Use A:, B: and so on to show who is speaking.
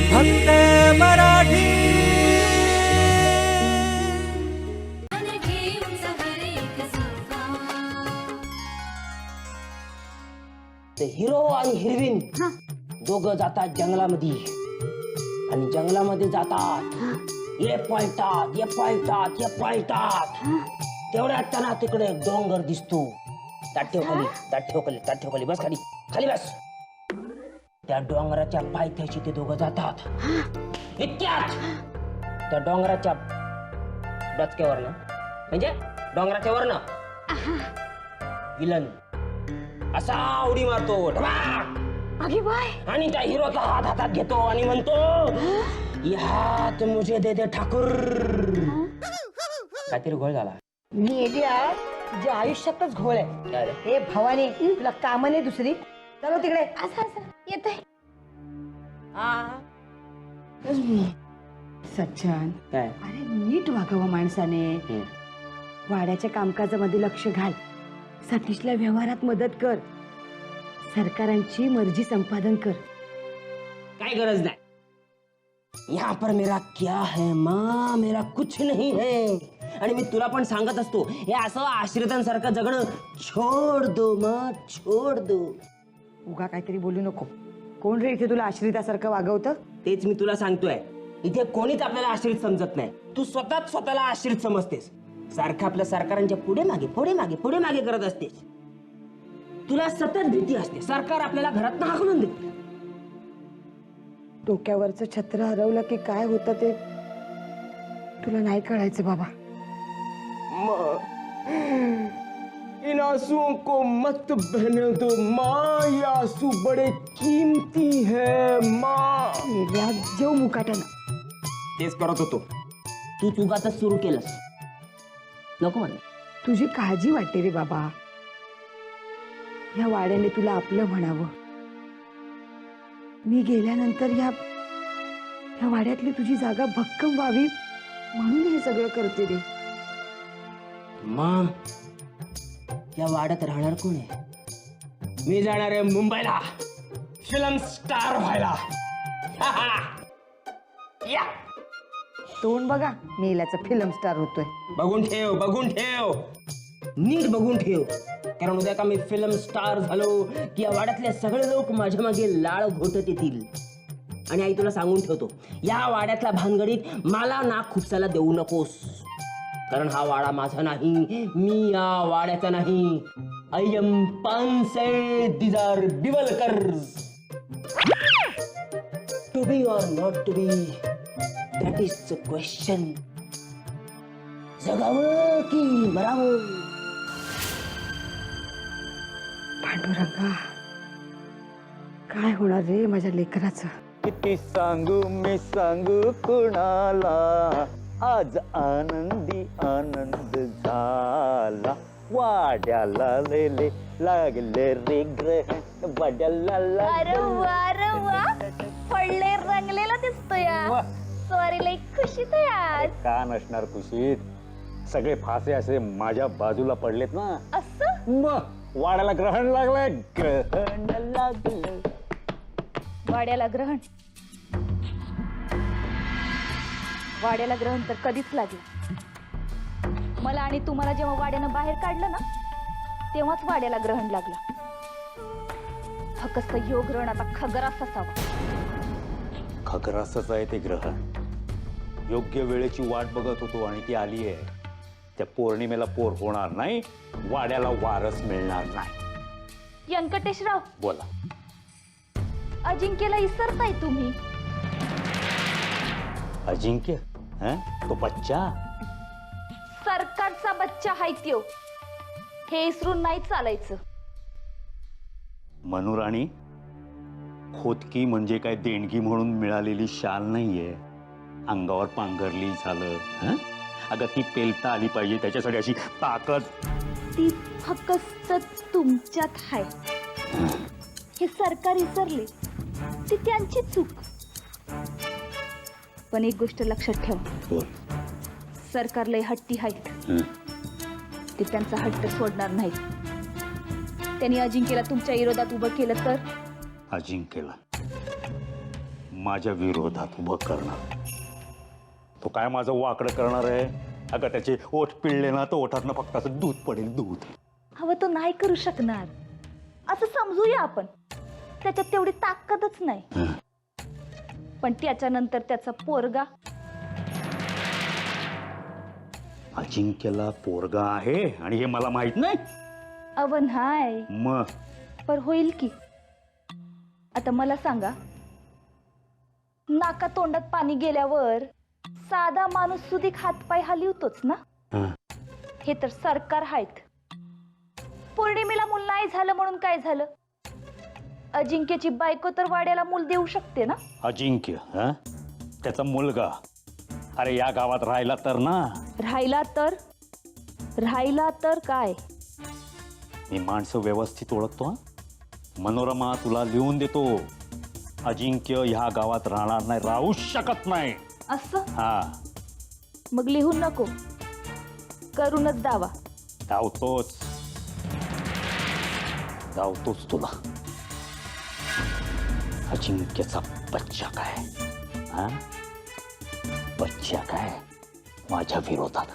A: फक्त मराठी।
B: हिरो आणि हिरवीन दोघं जातात जंगलामध्ये आणि जंगलामध्ये जातात, ये पळतात तेवढ्यात त्यांना तिकडे एक डोंगर दिसतो। ताट ठेव खाली बस, खाली बस। त्या डोंगराच्या पायथ्याशी ते दोघं जातात। इतक्यात त्या डोंगराच्या डचक्यावरनं म्हणजे डोंगराच्या वरनं विलन असा उडी मारतो
C: अगे बाय,
B: आणि त्या हिरोचा हात हातात घेतो आणि म्हणतो, यात मुझे दे दे ठाकूर। काहीतरी घोळ झाला।
C: मेलिया तुझ्या आयुष्यातच घोळ आहे। हे भवानी, तुला काम नाही दुसरी? चलो तिकडे। असं येते सज्जन,
B: काय
C: अरे नीट वागावं माणसाने। वाड्याच्या कामकाजामध्ये लक्ष घाल, सतीशला व्यवहारात मदत कर, सरकारांची मर्जी संपादन कर।
B: काय गरज नाही। यहाँ पर मेरा क्या है माँ, मेरा कुछ नहीं है। आणि मी तुला पण सांगत असतो, हे असं आश्रितांसारखं जगणं छोड दो माँ, छोड दो।
C: उगा काहीतरी बोलू नको। कोण रे इथे तुला आश्रितासारखं वागवतं?
B: तेच मी तुला सांगतोय, इथे कोणीच आपल्याला आश्रित समजत नाही। तू स्वतःला आश्रित समजतेस। सारखं आपल्या सरकारांच्या पुढे मागे करत असतेस। तुला सतत भीती असते, सरकार आपल्याला घरात हाकलून देते।
C: डोक्यावरचं छत्र हरवलं की काय होतं ते तुला नाही कळायचं बाबा।
B: इन आंसुओं को मत बहने दो माँ, ये आंसू बड़े कीमती है माँ।
C: जेव मुकाट्यानं
B: तेच करत होतो, तू चुकातच सुरू केलंस। नको म्हण,
C: तुझी काळजी वाटते रे बाबा। या वाड्याने तुला आपलं म्हणावं। मी गेल्यानंतर या वाड्यातली तुझी जागा भक्कम व्हावी म्हणून हे सगळं करते रे।
B: माँ, या वाड्यात राहणार कोण आहे? मी जाणार आहे मुंबईला फिल्म स्टार व्हायला। या
C: तोंड बघा, मेल्याचा फिल्म स्टार होतोय।
B: बघून ठेव, नीट बघून ठेव, कारण उद्या का मी फिल्म स्टार झालो की या वाड्यातले सगळे लोक माझ्या मागे लाळ घोटत येतील। आणि आई तुला सांगून ठेवतो, या वाड्यातल्या भानगडीत मला नाक खुपसायला देऊ नकोस, कारण हा वाडा माझा नाही, मी या वाड्याचा नाही। I am Panse, these are Diwalkars. To be or not to be, that is the question. जगावं की मरावं?
C: पांडुरंगा, काय होणार रे माझ्या लेकराचं?
D: किती सांगू मी सांगू कुणाला, आज आनंदी आनंद झाला। वाड्याला लेले लागले रे ग्रहण, वाड्याला
E: अरे वा पडले रंगलेला दिसतोय। सॉरी, लई खुशीत आहे आज।
D: का नसणार खुशीत? सगळे फासे असे माझ्या बाजूला पडलेत ना।
E: असं
D: मग वाड्याला ग्रहण लागलंय, ग्रहण लागलं।
E: वाड्याला ग्रहण तर कधीच लागलं। मला आणि तुम्हाला जेव्हा वाड्यानं बाहेर काढलं ना, तेव्हाच वाड्याला ग्रहण लागलं। फक्त ह्यो ग्रहण आता खगरास असावा।
D: खगरासच आहे ते ग्रहण। योग्य वेळेची वाट बघत होतो आणि ती आली आहे। त्या पौर्णिमेला पोर होणार नाही, वाड्याला वारस मिळणार नाही।
E: व्यंकटेशराव,
D: बोला।
E: अजिंक्यला विसरताय तुम्ही?
D: अजिंक्य? तो बच्चा?
E: सरकारचा बच्चा हाय त्यो, हे विसरून नाही चालायचं।
D: मनुराणी, खोतकी म्हणजे काय देणगी म्हणून मिळालेली शाल नाहीये, अंगावर पांघरली झालं। अगं ती पेलता आली पाहिजे, त्याच्यासाठी अशी ताकद।
E: ती फक्त तुमच्यात हाय, हे सरकार विसरले, ती त्यांची चूक। पण एक गोष्ट लक्षात ठेवा, सरकार लय हट्टी आहेत, ते त्यांचा हट्ट सोडणार नाहीत। त्यांनी अजिंक्यला तुमच्या विरोधात उभं केलं तर?
D: अजिंक्यला माझ्या विरोधात उभं करणार. तो काय माझं वाकडं करणार आहे? अगं त्याचे ओठ पिळले ना तर ओठातनं फक्त असं दूध पडेल, दूध.
E: हवं तो नाही करू शकणार असं समजूया आपण. त्याच्यात तेवढी ताकदच नाही. पण त्याच्यानंतर त्याचा पोरगा
D: अजिंक्यला पोरगा आहे आणि हे मला माहित नाही.
E: अव नाही
D: मग
E: पर होईल की. आता मला सांगा, नाका तोंडात पाणी गेल्यावर साधा माणूस सुधीक हातपाय हलवतोच ना.
D: हं.
E: हे तर सरकार आहेत. पौर्णिमेला मूल नाही झालं म्हणून काय झालं? अजिंक्यची बायको तर वाड्याला मूल देऊ शकते ना.
D: अजिंक्य हा त्याचा मुलगा. अरे या गावात राहिला तर ना.
E: राहिला तर काय?
D: मी माणसं व्यवस्थित ओळखतो. हं? मनोरमा तुला लिहून देतो, अजिंक्य ह्या गावात राहणार नाही, राहू शकत नाही.
E: असं
D: हा
E: मग लिहून नको, करूनच दावा.
D: धावतोच तुला. अजिंक्यचा बच्चा काय? हा बच्चा काय माझ्या विरोधात.